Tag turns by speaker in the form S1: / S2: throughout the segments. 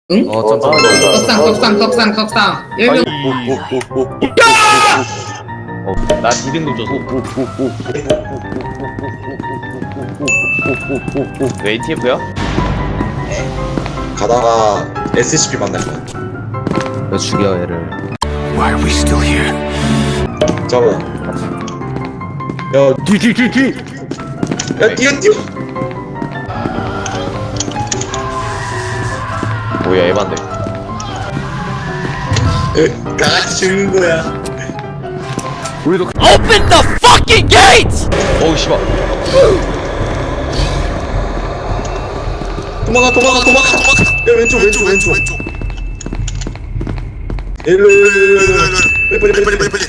S1: 응?
S2: 점점
S1: 떡상 10명.
S2: 나 D등급 줬어. 왜 ATF야?
S3: 가다가 SCP 만나면
S2: 너 죽여 얘를.
S4: Why are we still here?
S3: 잠깐만. 야, 뒤. 야, 뛰어.
S2: 뭐야 에반데.
S3: 다 같이 죽는 거야.
S2: 우리도
S4: Open the fucking gate!
S2: 어우 씨발.
S3: 도망가. 야, 왼쪽. 일로. 빨리.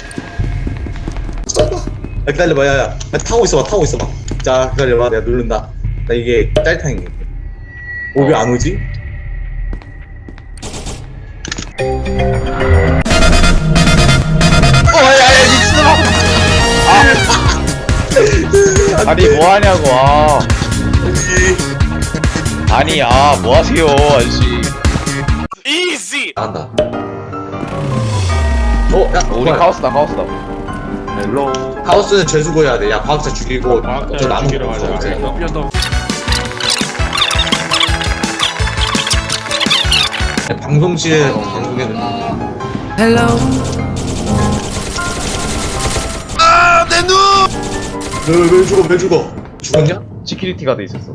S3: 야, 기다려봐, 야, 타고 있어봐. 자, 기다려봐, 내가 누른다. 나 이게 짤탕이. 왜 안 오지?
S2: 아니 뭐하냐고. 아니 뭐하세요 아저씨.
S3: 나간다.
S2: 야 우리 카오스다.
S3: 하우스는 죄수고해야 돼. 야, 과학자 죽이고 저 나무
S5: 죽이러 가자.
S3: 방송실에 방송에는 왜 죽어? 죽었냐?
S2: 시큐리티가 돼 있었어.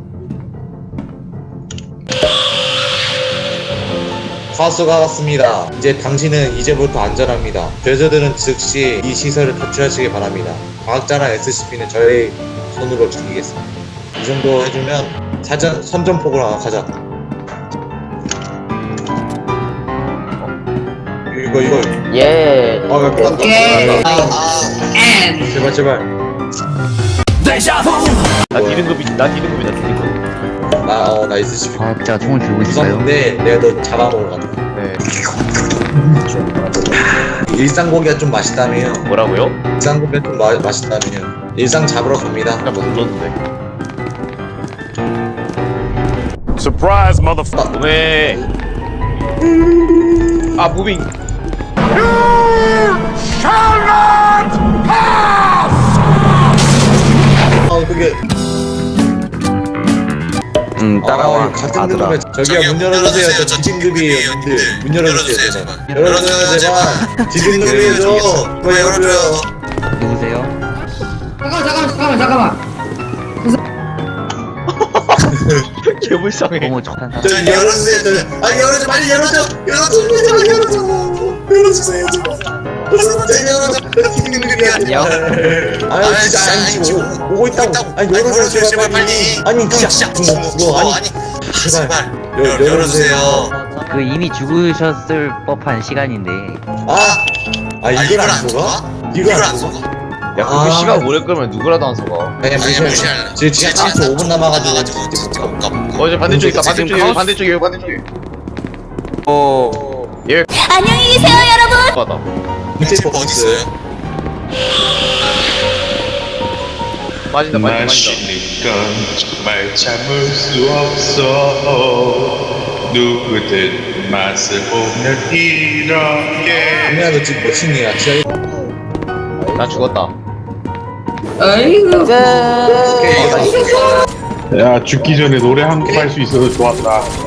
S3: 하우스가 왔습니다. 이제 당신은 이제부터 안전합니다. 죄수들은 즉시 이 시설을 탈출하시기 바랍니다. 과학자랑 SCP는 저의 손으로 죽이겠습니다. 이 정도 해주면 선전포고로 하나 가자. 이거
S2: 예.
S1: 오케이.
S3: 제발
S2: 나 D등급이다.
S3: 나 SCP
S6: 과학자 총을 들고 있어요.
S3: 무섭는데 내가 너 잡아먹으러 간다.
S2: 네.
S3: 일상고기가 좀 맛있다며요.
S2: 뭐라고요?
S3: 일상고기가 좀 맛있다며요. 일상 잡으러 갑니다.
S2: 아까 뭐 눌렀는데.
S5: Surprise, motherfucker.
S2: 왜? 무빙.
S3: 그게
S6: 따라와.
S3: 같은
S6: 아들아.
S3: 그룹에 저기요 문 열어주세요. 저 지진급이에요. 님들 문 열어주세요. 제발. 열어주세요 제발. 지진급이에요. 뭐 열어줘요.
S6: 누구세요?
S1: 잠깐만.
S2: 개불쌍해.
S6: 너무 적한 사람.
S3: 저 열어주세요. 열어줘 빨리 열어줘. 열어주세요 제발. 지진급이야. 아니 진짜 아니지 오고 있다고. 아니 열어주세요 제발 빨리. 아니 진짜 그거 아니 제발 열어주세요.
S6: 그 이미 죽으셨을 법한 시간인데.
S3: 이걸 안 속아? 이걸 안 속아?
S2: 야 그렇게 시간 오래 끌면 누구라도 안 속아.
S3: 그냥 무시해. 지금 진짜 5분 남아가지고
S2: 이제 반대쪽 있다. 반대쪽에. 예.
S7: 안녕히 계세요, 여러분.
S2: 맞다.
S3: 밑에 어디 있어요?
S2: 빠진다.
S5: 마시니까 정말 참을 수 없어. 누구든 맛을 보면 이렇게.
S3: 민아 너 지금 몇 층이야? 지하
S2: 나 죽었다.
S1: 아이고.
S5: 야, 죽기 전에 노래 한 곡 할 수 있어서 좋았다.